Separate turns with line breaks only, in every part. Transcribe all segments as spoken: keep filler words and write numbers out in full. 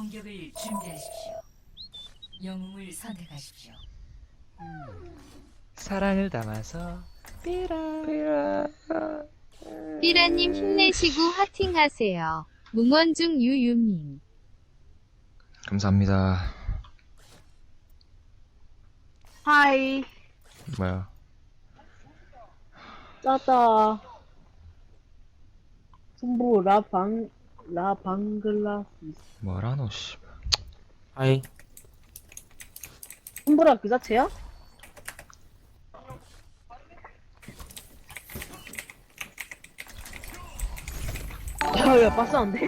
공격을 준비하십시오. 영웅을 선택하십시오.
사랑을 담아서 삐라 삐라.
삐라님 힘내시고 화팅하세요. 뭉원중 유유님.
감사합니다.
하이.
뭐야?
짜다. 승부 라방 라방글라시스.
뭐라노 씨.
하이.
승부라 그 자체야? 야야 빠싸한데?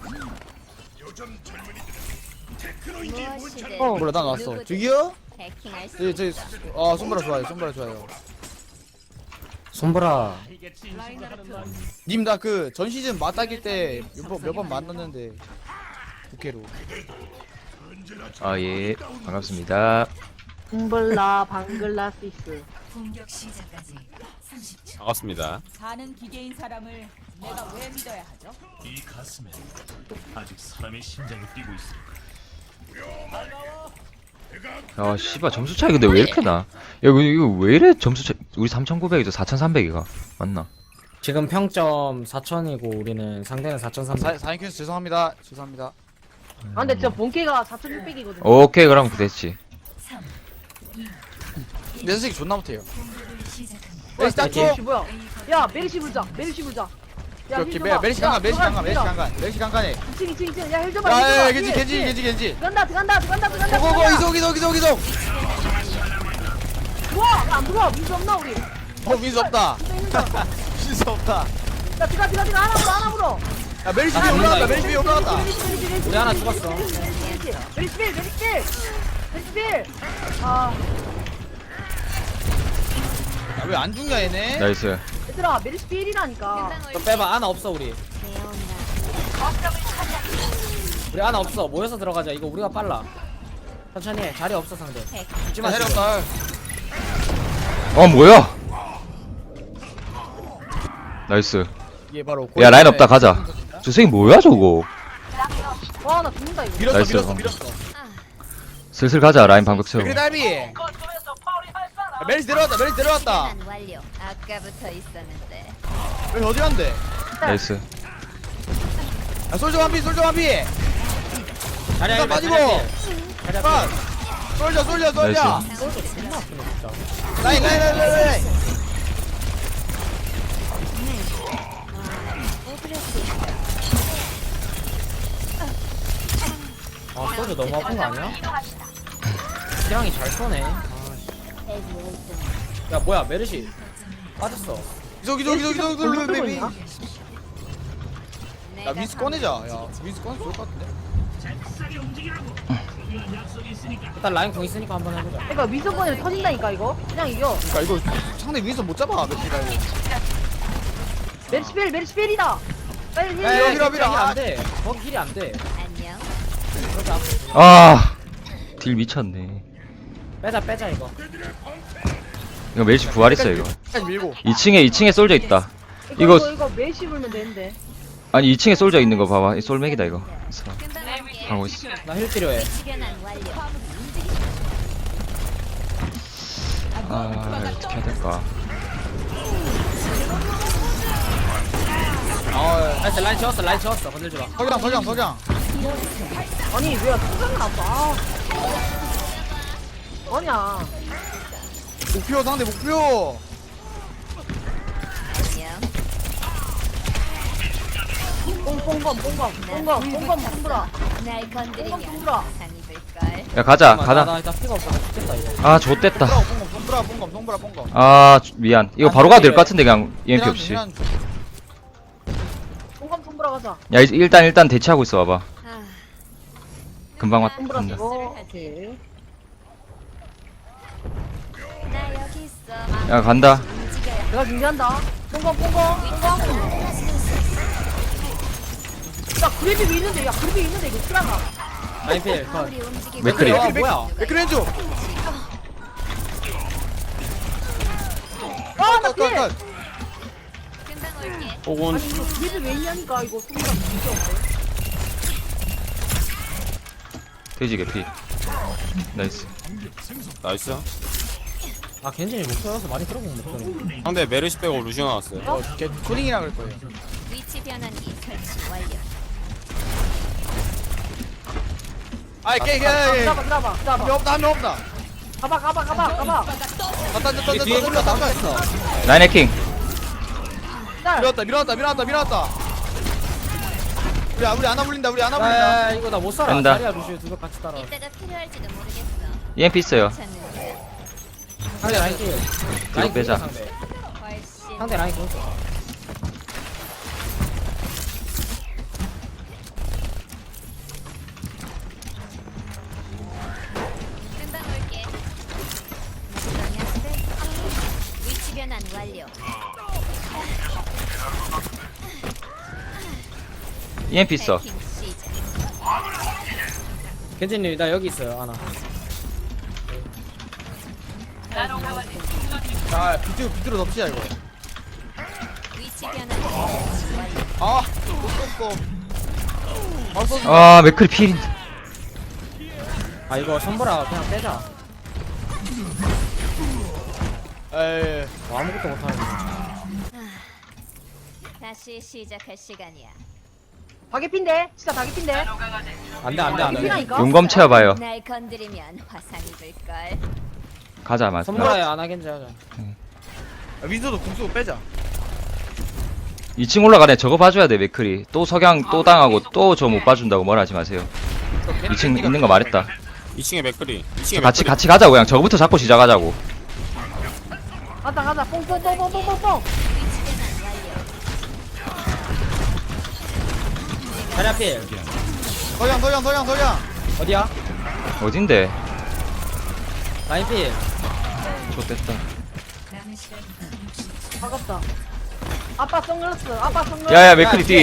무엇이든
어.
몰라 난 왔어.
누구든
저기요?
해킹할 수
저기 저기 아 손보라 좋아요. 손보라 좋아요. 손보라. 님 나 그 전 시즌 맞닥일 때 몇 번 몇 번 만났는데 국회로.
아 예. 반갑습니다.
승불라 방글라시스.
공격 시작까지 삼십 초.
반갑습니다.
사는 기계인 사람을 내가 왜 믿어야 하죠?
이 가슴에 아직 사람의 심장이 뛰고 있습니다.
야 씨발 점수 차이 근데 왜 이렇게 나? 야 이거, 이거 왜 이래 점수 차이? 우리 삼천구백이죠 사천삼백이가 맞나?
지금 평점 사천이고 우리는 상대는 사천삼백.
사인 큐스 죄송합니다. 죄송합니다.
아 근데 진짜 본캐가 사천육백이거든.
오케이 그럼 됐지.
삼,
내 선생님 존나 못해요.
공격을 시작합니다.
메리시 닦죠?
메리시 뭐야? 야 메리시 불자. 메리시 불자. 야
오케이
힐
메
줘봐.
메리시
야,
강간 메리시 강간 메리시
들어가,
강간 메리시 강간해.
이층 이층 이층. 야힐 줘봐.
야야야
힐
겐지
줘봐.
겐지
힐,
겐지 겐지.
들어간다 들어간다 들어간다 들어간다.
고고고
들어간다.
이속 이속 이속 이속.
들어와. 안 들어와. 민수 없나 우리?
어 민수 없다.
민수 있는 거.
민수 없다.
야 들어가 들어가 들어가. 하나 불어 하나 불어.
야 메리시 위에 올라갔다. 메리시 위에 올라갔다.
우리 하나 죽었어.
메리스필 메리스필 메리스필. 아
왜 안 죽냐 얘네?
나이스.
얘들아 메리스필이라니까.
너 빼봐. 하나 없어 우리. 우리 하나 없어. 모여서 들어가자. 이거 우리가 빨라. 천천히 해. 자리 없어 상대.
하지마 해렸다.
어 뭐야? 나이스.
이게 바로
야 라인 없다 가자. 저 새끼 뭐야 저거?
와나 죽는다 이거.
밀었어
나이스.
밀었어 밀었어.
슬슬 가자 라인 방벽 채워.
그래 달비. 메리시 내려왔다. 메리시 내려왔다.
계산 완료. 아까부터 있었는데.
메리시 어디 간대?
나이스.
아 솔저 완피 솔저 완피.
자리
나
앞에
빠지고.
자리
빠.
앞에.
솔저 솔저 솔저.
나이스.
라인 라인 라인 라인 라인.
아 소주 너무 아픈 거 아니야? 기량이 잘 쏘네. 아, 야 뭐야 메르시 빠졌어.
이속 이속 이속 이속
볼륨
이속
끄고
베이비.
있나?
야 윈스 꺼내자. 야 윈스 꺼내 좋을 것 같은데.
일단 라인 공 있으니까 한번 해보자.
그러니까 미소권이 터진다니까 이거. 그냥 이겨.
그러니까 이거 상대 윈스 못 잡아 며칠 가고.
메리스필 메리스필이다. 빨리 힐.
야, 여기로,
힐이
여기로.
안 돼. 거기 힐이 안 돼.
안녕.
그렇게 앞에.
아. 딜 미쳤네.
빼자 빼자 이거.
이거 멜시 부활했어 이거.
끝까지 밀고.
이 층에 이 층에 솔져 있다.
이거
이거-
이거, 이거 메시 불면 되는데.
아니 이 층에 솔져 있는 거 봐봐. 이 솔맥이다 이거. 그래서
금방 올게.
하고 있어.
나 힐 필요해.
시간은 완료.
아 어떻게 해야 될까?
아
나이스 라인 채웠어 라인 채웠어. 건들지 마.
석양 석양 석양.
아니 왜 투장을 안 봐? 아니야.
목표 상대 목표.
안녕.
뽕뽕검 뽕검 뽕검 뽕검 승부라.
날
뽕검
건드리면
승부라.
상이 될걸.
야 가자
잠깐만, 나,
가자.
나 일단 피가 없어서 죽겠다 이거.
아 좋댔다.
뽕검 뽕검 뽕검 뽕검 뽕검.
아 주- 미안. 이거 바로 가도 될 것 같은데 그냥 이엠피 없이. 야
뽕검 승부라 가자.
이- 일단 일단 대치하고 있어 봐봐.
아,
금방 왔.
승부라
간다.
쓰고. 오케이.
나 여기 있어.
야 간다.
움직여야
내가 준비한다. 뽕검 뽕검 뽕검. 야 그래도 있는데 야 그래도 있는데 이거 쓰라가.
라인 필 컷.
우리 움직이고.
맥크리.
아 뭐야?
맥크렌즈.
아나 피해.
컷컷컷.
금방 올게.
혹은
아니 이거 그래도 왜 있냐니까 이거 승부라 진짜 없네.
돼지 개피. 나이스.
나이스.
아 겐진이 목소리여서 많이 들어본 목소리.
상대 메르시 빼고 루시오 나왔어요.
어, 걔 코딩이라 그럴 거예요.
위치 변환기 설치 완료.
아이, 걔, 걔, 걔.
잡아 잡아
한
잡아
명 없다, 한 명 없다.
가봐 가봐 가봐 가봐
다 던져, 던져,
뒤에
던져, 던져, 던져.
있어.
라인 해킹.
밀었다, 밀었다, 밀었다, 밀었다. 우리, 우리 안아 물린다, 우리 안아 물린다.
야 이거 나 못 살아.
된다.
자리야 루시오 두명 같이 따라.
이따가 필요할지도 모르겠어.
이엠피 있어요.
찾는 중.
상대 라인 킬. 라인
빼자.
킬 상대.
훨씬
상대 라인 킬.
금방 올게. 안녕하세요. 위치 변환 완료.
이엠피 있어.
해킹 시작.
겐진님 나 여기 있어요 하나.
자, 비트, 비트로 덮치자, 이거.
위치 변환 설치 완료.
아, 또, 또, 또. 바로 쏘지.
아 맥클이 필인데.
아 이거 선보라 그냥 빼자.
에이.
뭐 아무것도 못하는.
다시 시작할 시간이야.
다개핀데 진짜 다개핀데
안돼 안돼 안돼.
다개피라니까
용검 채워봐요.
날 건드리면 화상 입을 걸.
가자 맞.
선보라에 안 하겠지 하자.
아, 윈서도 궁 쓰고 빼자.
이 층 올라가네. 저거 봐줘야 돼 맥클이. 또 석양 또 당하고 또 저 못 봐준다고 뭐라 하지 마세요. 이 층 있는 거 말했다.
이 층에 맥크리. 이 층에
같이
맥크리.
같이 가자고 그냥 저거부터 잡고 시작하자고.
가자 가자 뽕뽕뽕뽕뽕뽕
위치 변환 완료.
자리 앞필.
서양, 서양, 서양, 서양.
어디야?
어딘데?
라인 필.
좋됐다.
남은 시간
아깝다 아빠 선글라스 아빠 선글라스
야야 맥클이 뒤.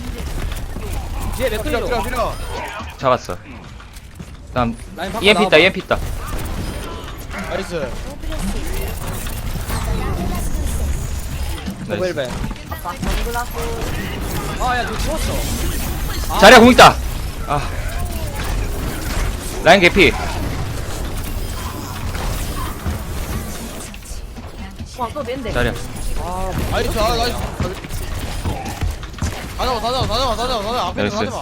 뒤에
밀어,
맥크리로.
밀어, 밀어.
잡았어. 다음
라인 밖으로
이엠피 있다.
나와봐.
이엠피 있다.
나이스.
나이스.
오벨벤.
아빠 선글라스
아야 너 죽었어.
자리야 공 있다. 아. 라인 개피.
와또 낸데
자리야.
아
나이스, 아, 나이스. 다 잡아, 다 잡아, 다 잡아, 다 잡아, 다 잡아. 앞에 있는 거
나이스.
다 잡아.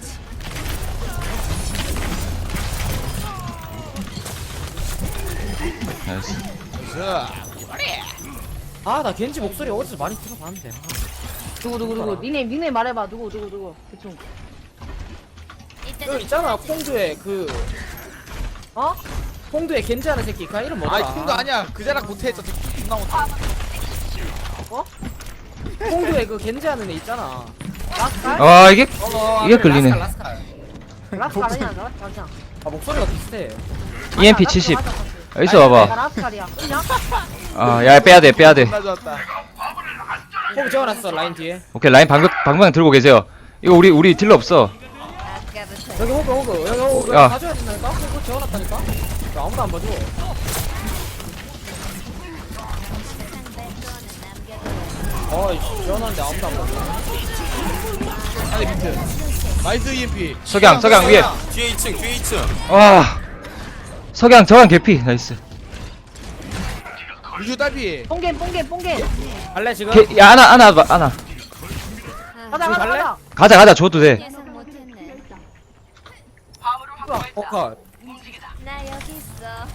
나이스.
나이스.
아 나 겐지 목소리 어디서 많이 들어봤는데.
누구 누구 누구 니네 니네 말해봐 누구 누구 누구 대충
이따가
그 있잖아 콩두에 그
어?
콩두에 겐지 하는 새끼 그 이름 뭐더라?
아이, 콩도 아니야. 그자락 못해. 저 새끼 존나 못해.
콩두에 그 겐지 하는 애 있잖아.
라스칼?
아 이게
어,
이게
그래,
끌리네.
라스칼, 라스칼.
라스칼 아니야 라스칼
아 목소리가 비슷해.
이엠피 칠십. 여기서 와봐.
라스칼이야 그냥?
아야 빼야 돼 빼야 돼.
존나 좋았다.
콩 재워놨어 라인 뒤에.
오케이 라인 방벽 방벽 들고 계세요. 이거 우리 우리 딜러 없어.
아까부터
여기 호그 호그 여기 호그
야.
여기 가져야 된다니까? 콩 재워놨다니까? 야, 아무도 안 봐줘.
상대 거는 남겨둬.
어이씨 재워놨는데 아무도 안 봐줘.
아니, 비트. 나이스 이엠피.
석양 석양 위에.
뒤에 이 층, 뒤에 이 층.
와. 석양 저강 개피. 나이스.
루시오 딸피.
뽕겐 뽕겐 뽕겐
갈래 지금?
개, 야 하나 하나 봐, 하나.
가자 가자
갈래?
가자
가자 가자 줘도 돼.
예상 못했네.
포컷.
나 여기 있어.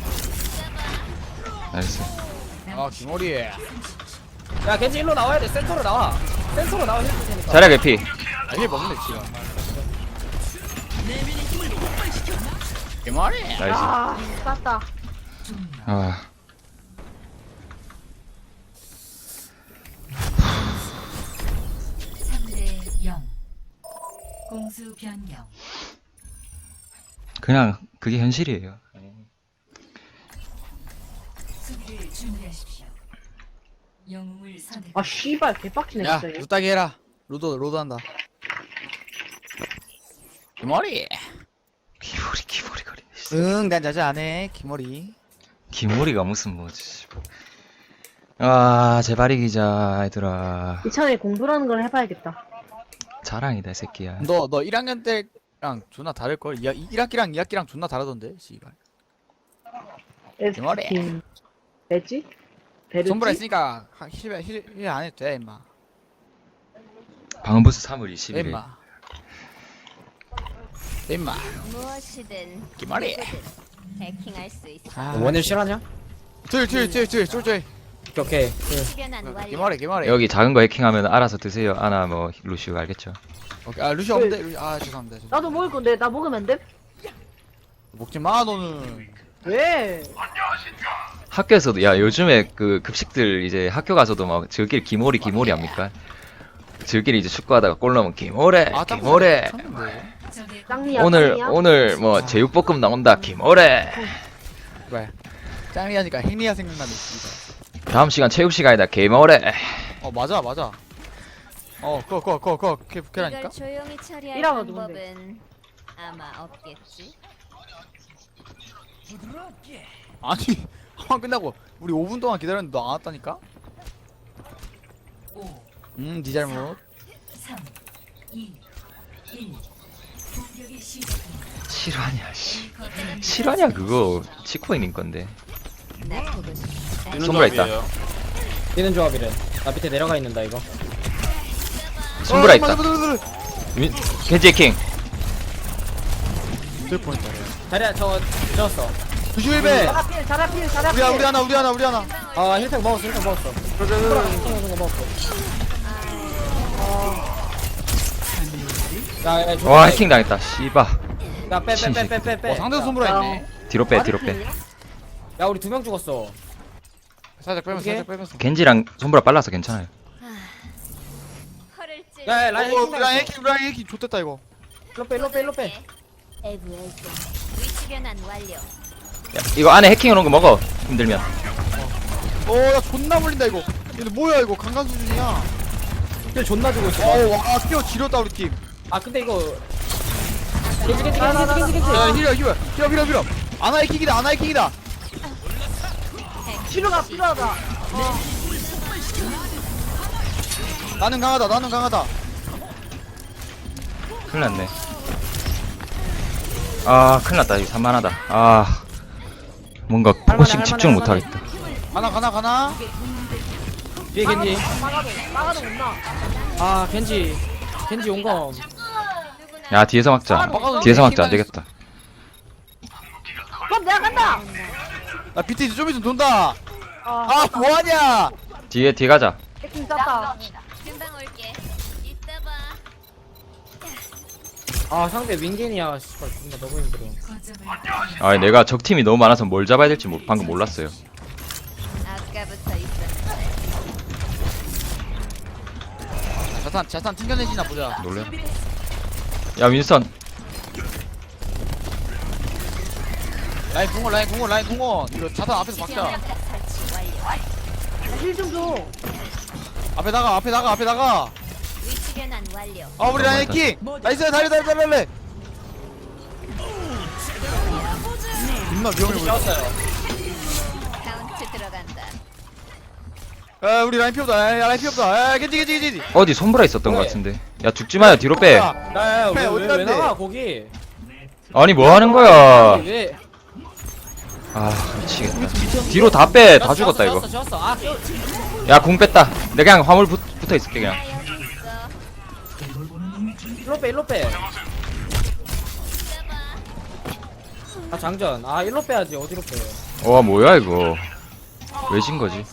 나이스.
아, 김어리.
야 겐지 일로 나와야 돼. 센터로 나와. 센터로 나와 해줄 테니까.
자리야 개피.
아, 힐 먹네, 지금. 김어리.
나이스.
아 쌌다
아.
삼 대 영. 공수 변경.
그냥 그게 현실이에요.
수비를 준비하십시오. 영웅을 선택.
아 씨발 개빡치네
야,
진짜 얘.
루따기 해라. 로드, 로드 한다. 김어리.
기모리 기모리 거리.
응, 난 자자 안 해. 김어리.
기모리가 무슨 뭐지. 아 제발 이기자 얘들아.
이참에 공부라는 걸 해봐야겠다
자랑이다 이 새끼야.
너, 너 일 학년 때 존나 다를걸. 일 학기랑 이 학기랑 존나 다르던데 씨발. 개머리.
에스킨 배지? 베르지?
손보라 있으니까 힐힐힐안 해도 돼 임마.
방음 부스 삼월
돼
이십일 일.
임마. 돼 임마.
무엇이든
개머리.
해킹할 수 있어.
아,
원일 실하냐?
둘둘둘둘 쫄쫄.
오케이 오케이.
시변한 완료.
개머리 개머리.
여기 작은 거 해킹하면 알아서 드세요. 아나 뭐 루시오 알겠죠?
오케이. 아 루시 없는데. 루시- 아 죄송합니다. 죄송합니다.
나도 먹을 건데 나 먹으면 안 돼?
먹지 마 너는.
왜?
학교에서도 야 요즘에 그 급식들 이제 학교 가서도 막 저끼리 기모리 기모리 합니까? 저끼리 이제 축구하다가 골 넣으면 기모레
아 딱
기모레
쳤는데.
적의
짱리야
오늘
짱리야?
오늘 뭐 제육볶음 나온다 기모레
왜? 짱리 하니까 행리야 생각나네 씨발.
다음 시간 체육 시간이다 기모레
어 맞아 맞아. 어 그거 그거 그거 그거 그게
이걸
부캐라니까.
조용히 처리할
이라고
방법은 아마 없겠지.
아니 한번 끝나고 우리 오 분 동안 기다렸는데 너 안 왔다니까?
오,
음네 잘못.
삼, 이, 일. 공격이 시작됩니다.
실화냐 씨 실화냐 그거 치코인인 건데
나 보고 싶어.
뛰는
손보라 있다.
조합이에요.
뛰는 조합이래. 나 밑에 내려가 있는다 이거.
손보라
어,
있다
맞아, 맞아, 맞아, 맞아.
윈- 겐지 해킹
될 뻔했다.
자리야 저 졌어.
조심해.
자라필 자라필 자라필
우리 하나 우리 하나 우리 하나 우리 하나.
아 힐팩 먹었어 힐팩 먹었어.
그래 그래 그래.
먹는 거 먹었어. 야, 야,
와 해킹 당했다 씨바
야빼빼빼빼빼 빼.
어 상대 손보라 있네.
뒤로 빼 뒤로 빼
야 우리 두 명 죽었어.
살짝 빼면서
어떻게?
살짝 빼면서.
겐지랑 손보라 빨라서 괜찮아요
허를 찔.
야, 야 라인
어,
해킹
라인 해킹 라인 해킹 좋댔다 이거.
일로 빼 일로 빼 일로 빼.
에브 에브. 위치 변환 완료.
야, 이거 안에 해킹해놓은 거 먹어 힘들면
어나 존나 물린다 이거. 얘들 뭐야 이거 강간 수준이야.
힐 존나 주고 있어.
어와 뛰어 지렸다 우리 팀.
아 근데 이거 겐지 겐지 겐지 겐지 겐지.
야 힐러 힐러 힐러 힐러 힐러. 아나 해킹이다 아나 해킹이다.
필요가 필요하다.
나는 강하다 나는 강하다.
큰일 났네 아 큰일 났다 이거 산만하다 아 뭔가 포커싱
할만해,
집중
할만해,
못하겠다
가나 가나 가나.
뒤에 겐지.
막아도 막아도 못 나.
아 겐지 겐지 용검.
야 뒤에서 막자 뒤에서 막자 안되겠다
그럼 내가 간다.
나 비트 좀 있으면 돈다.
아,
아 뭐하냐.
뒤에 뒤에 가자
해킹 짰다.
금방 올게. 이따 봐.
아 상대 윙겐이야. 씨발 존나 너무 힘들어.
거점을
아 내가 적팀이 너무 많아서 뭘 잡아야 될지 모- 방금 몰랐어요
아까부터 있었는데.
자탄 자탄 튕겨내지나 보자.
놀래 야 윈선
라인 공원 라인 공원 라인 공원. 이거 자탄 앞에서 박자.
설치 완료.
힐 좀 줘.
앞에 나가 앞에 나가 앞에 나가.
위치 변환 완료.
아 우리 라인 해킹. 나이스 달려 달려 달려 달려. 존나 위험해 보여.
졌어요.
카운트 들어간다.
아 우리 라인 피었다. 야 라인 피었다. 야 겐지 겐지 겐지.
어디 손보라 있었던 것 같은데 야 죽지마요 뒤로 빼
야야
빼,
왜,
어디
왜, 왜
갔는데?
나가 거기.
아니 뭐 하는 거야
왜?
아 미치겠다 뒤로 다 빼 다 죽었다 이거
졌어 졌어. 아
야 공 뺐다 내가 그냥 화물 붙, 붙어 있을게 그냥
나 여기 있어.
일로 빼 일로 빼. 아 장전. 아 일로 빼야지 어디로 빼.
와 뭐야 이거 왜 진 거지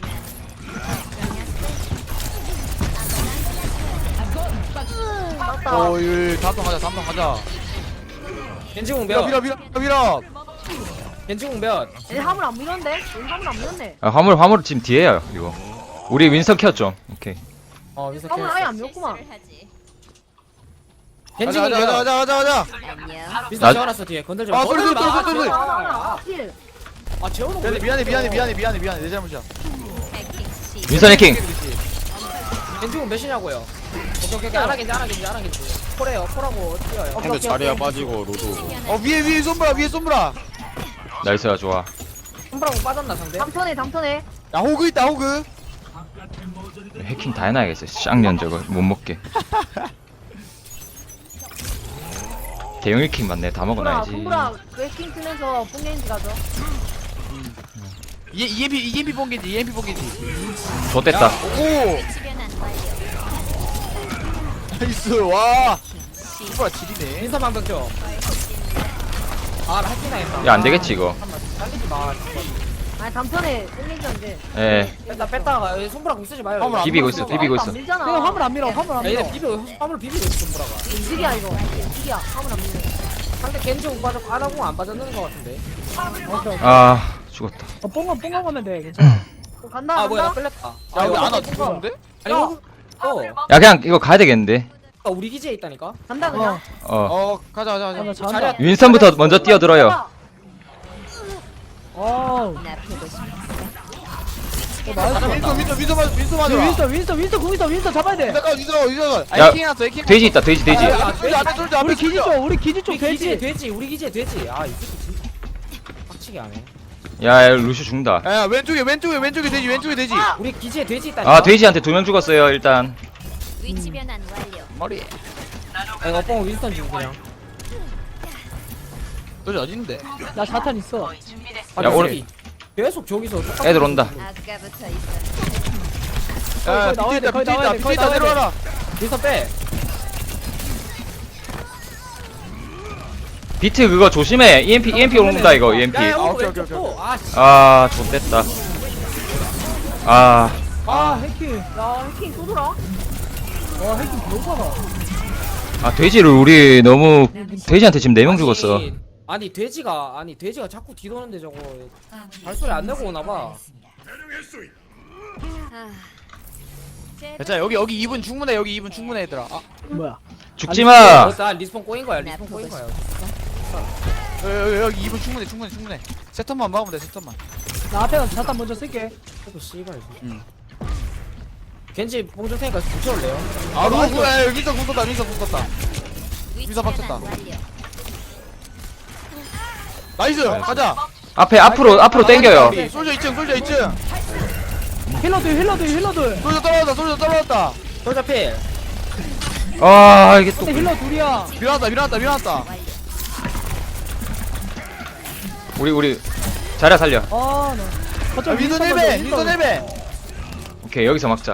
어 이거 다음 번 가자 다음 번 가자.
겐지공
밀어
몇?
밀어 밀어 밀어.
겐지공 몇?
얘 화물 안 밀었는데? 얘 화물 안 밀었네.
아, 화물 화물 지금 뒤에요 이거 우리 윈선 켰죠 오케이
어 여기서
화물
킬.
아예 안 밀었구만.
실수를 하지.
가자
겐지공
가자
몇?
가자 가자 가자.
안녕.
미스터
나-
재워놨어 뒤에 건들지
아,
마.
소리,
건들지
소리,
마.
소리, 소리, 소리.
아,
힐.
아 재워놓고.
미안해
왜
미안해 미안해
그래?
미안해 미안해 미안해 내 잘못이야.
해킹 시.
윈선 해킹
겐지공 몇이냐고요? 오케이 오케이 오케이 안하겠지 안하겠지 안하겠지. 폴해요 폴하고 뛰어요.
근데 자리야 빠지고 로드.
어 위에 위에 솜브라 위에 솜브라.
나이스야 좋아
홈프라고 빠졌나 상대?
담턴해 담턴해.
야 호그 있다 호그.
해킹 다 해놔야겠어 쌍년 저거 못 먹게 대형 일 킹 맞네. 다
손브라
먹어놔야지.
손브라 웨킹 쓰면서 뽕겐지 가죠.
이 이엠피 이엠피 본게지 이엠피 본게지.
좋됐다.
오
위치변환 완료.
나이스 와.
시.
손브라 지리네.
인사 방벽 좀. 아, 나 할게나 했다.
야, 안 되겠지, 이거.
잘리지 마.
아니 단편에 뽕겐지인데.
예.
뺐다 뺐다가 여기 손가락 공 쓰지 마요.
화물 안
비비고
밀어,
있어,
손브라.
비비고
안
있어.
밀잖아.
그냥 화물 안 밀어, 화물 안 밀어. 얘네 비벼, 화물 비비고 있어, 손가락가.
이질이야 이거. 이질이야. 화물 안 밀네.
상대 겐지 못 빠졌고 아나공 안 빠졌는 것 같은데.
아, 죽었다.
뽕건 뽕건 가면 돼, 괜찮아.
어, 간다
아,
간다.
뭐야, 나 끌렸다.
야 근데
이거
안아
뽕건.
죽었는데?
아니, 어. 어.
야, 그냥 이거 가야 되겠는데.
아, 우리 기지에 있다니까.
간다 그냥.
어.
어 가자 가자 가자.
자리야.
윈스턴부터 먼저 뛰어들어요.
어.
나 보고 싶어.
윈서 윈서 윈서 맞아 윈서 맞아.
윈스턴, 윈스턴, 윈스턴 공 있어, 윈스턴 잡아야 돼.
잠깐 윈서 윈서. 아
야,
에킹 났어 에킹.
돼지 있다, 돼지, 돼지.
아, 앞에 앞에 솔져 앞에 솔져.
우리 기지 쪽 돼지. 돼지, 우리 기지에 돼지. 아, 이 새끼 진짜 빡치게 하네.
야, 야, 루시 죽는다.
야 왼쪽에 왼쪽에 왼쪽에 돼지 왼쪽에 돼지.
우리 기지에 돼지 있다니까.
아, 돼지한테 두 명 죽었어요, 일단.
위치변환 완료.
머리.
아, 이거 뽕 윈스턴 지금 그냥.
너지 어디 있는데?
나 사탄 있어. 아,
야,
이
오늘-
새끼. 계속 저기서 똑같은
애들 온다.
아까부터 있어.
야
거의 나와야
밑에
돼,
있다
거의
밑에
나와야
있다
돼,
밑에
거의
있다
나와야 돼.
내려와라.
윈스턴 빼.
비트 그거 조심해. 이엠피, 이엠피 온다, 이거, 이엠피.
야, 야,
아,
오고
오케이,
왼쪽
오케이,
또. 아, 씨.
아, 좋됐다. 아,
아, 해킹.
야 해킹 또 돌아.
와, 해킹 너무 많아.
아, 돼지를 우리 너무, 돼지한테 지금 네 명 죽었어.
아니, 아니 돼지가 아니 돼지가 자꾸 뒤도는데 저거 발소리 안 내고 오나 봐.
아.
자 여기 여기 이 분 충분해 여기 이 분 충분해 얘들아. 아
뭐야?
죽지 마!
나 리스폰 꼬인 거야. 리스폰 꼬인 거야.
여기 여기, 여기 이 분 충분해 충분해 충분해. 세턴만 막으면 돼 세턴만.
나 앞에 가서 자탄 먼저 쓸게. 그래도 씨발.
응.
겐지 봉줄 테니까 붙여올래요?
아 루스 야 여기서 궁 떴다 여기서 궁 떴다.
위치변환
박쳤다.
완료.
나이스 가자.
앞에, 앞으로, 앞으로 땡겨요.
솔저 이 층 솔저 이 층.
힐러들 힐러들 힐러들.
솔저 떨어졌다 솔저 떨어졌다.
돌자 필.
아, 이게 또.
힐러 둘이야.
밀어놨다 밀어놨다 밀어놨다.
완료.
우리, 우리. 자리야 살려.
아, 나.
아, 윈서 네 배 윈서 네 배.
오케이, 여기서 막자.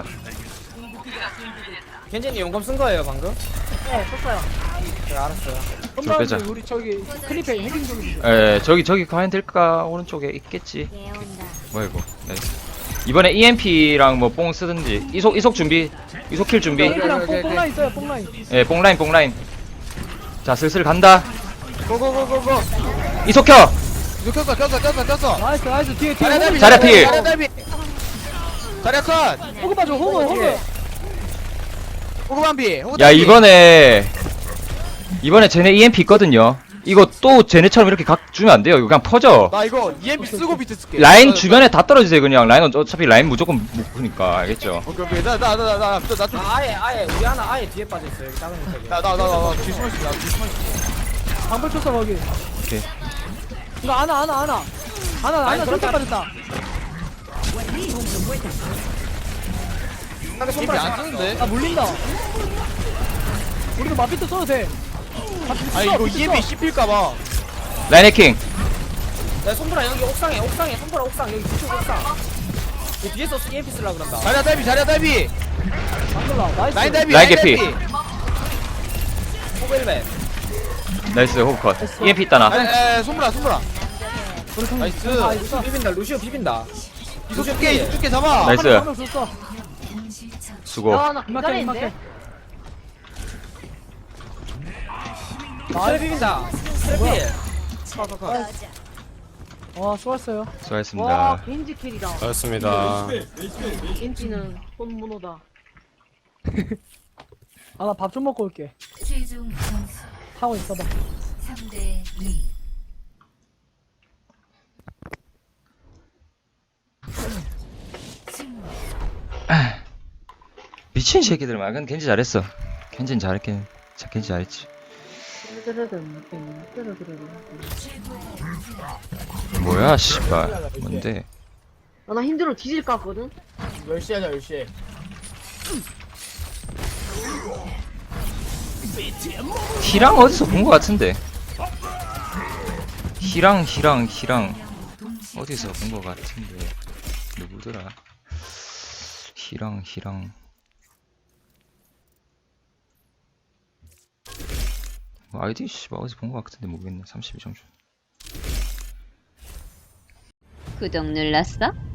겐지님 용감 쓴 거예요 방금?
네 썼어요.
네 알았어요.
저 빼자.
우리 저기 클리페 해킹 좀.
에, 저기, 저기 가면 될까? 오른쪽에 있겠지.
예 온다.
뭐야, 이거. 나이스. 이번에 이엠피랑 뭐 뽕 쓰든지. 이속, 이속 준비. 이속 킬 준비.
뽕 뽕라인 있어요 뽕라인.
예, 뽕라인, 뽕라인. 자, 슬슬 간다.
고고고고고.
이속 켜!
이거 켰어 켰어 켰어 켰어.
나이스 나이스 뒤에 뒤에.
자리야 달비
자리야 필.
자리야 달비. 자리야 컷.
호그 봐줘 호그 호그.
호그 반비. 호그
야,
달비.
이번에. 이번에 쟤네 이엠피 있거든요. 이거 또 쟤네처럼 이렇게 각 주면 안 돼요. 이거 그냥 퍼져.
나 이거 이엠피 쓰고 비트 쓸게.
라인 주변에 다 떨어지세요, 그냥. 라인은 어차피 라인 무조건 묶으니까. 알겠죠?
오케이 오케이 나나나나나나좀
아, 아예 아예 우리 하나 아예 뒤에 빠져 있어요. 여기 작은 녀석이.
나 나 나나 뒤 숨어 있어 나 뒤 숨어 있어.
방불 쳤어 거기.
오케이.
이거 안아 안아 안아. 안아 안아 절대 빠졌다. 상대
이엠피
손발
안 쓰는데?
아 물린다. 우리도 마피트 써도 돼.
아 이거 이엠피 씹힐까봐.
라인 해킹.
야 손보라 여기 옥상에 옥상에 손보라 옥상 여기 뒤쪽 옥상. 이 뒤에서 이엠피 쓰려 그런다.
자리야 달비 자리야 달비.
방글라 나이스.
라인 달비
라인 개피.
호벨벤.
나이스, 호흡컷. 이엠피 있다, 나.
에에 손보라 손보라. 나이스.
아 루시오 비빈다 루시오 비빈다.
이속 줄게 이속 줄게 잡아.
나이스.
한명 줬어.
동시 처치.
수고.
야나
이만큼
기다리는데.
이만큼. 아 비빈다. 트래필.
꺼져.
와 수고했어요.
와
수고하셨습니다.
겐지 킬이다.
고맙습니다.
겐지는 손문호다.
아 나 밥 좀 먹고 올게.
최종 점수
하고 있어봐.
삼 대 이. 승리.
미친 새끼들만. 근데 겐지 잘했어. 겐지는 잘했긴. 자, 겐지 잘했지. 뭐야, 씨발. 뭔데?
아, 나 힘들어 뒤질 것 같거든.
열 시 하자 열 시.
희랑 어디서 본 것 같은데. 희랑 희랑 희랑 어디서 본 것 같은데. 누구더라? 희랑 희랑. 뭐 아이디 씨발 어디서 본 것 같은데 모르겠네. 삼십일 점수.
구독 눌렀어?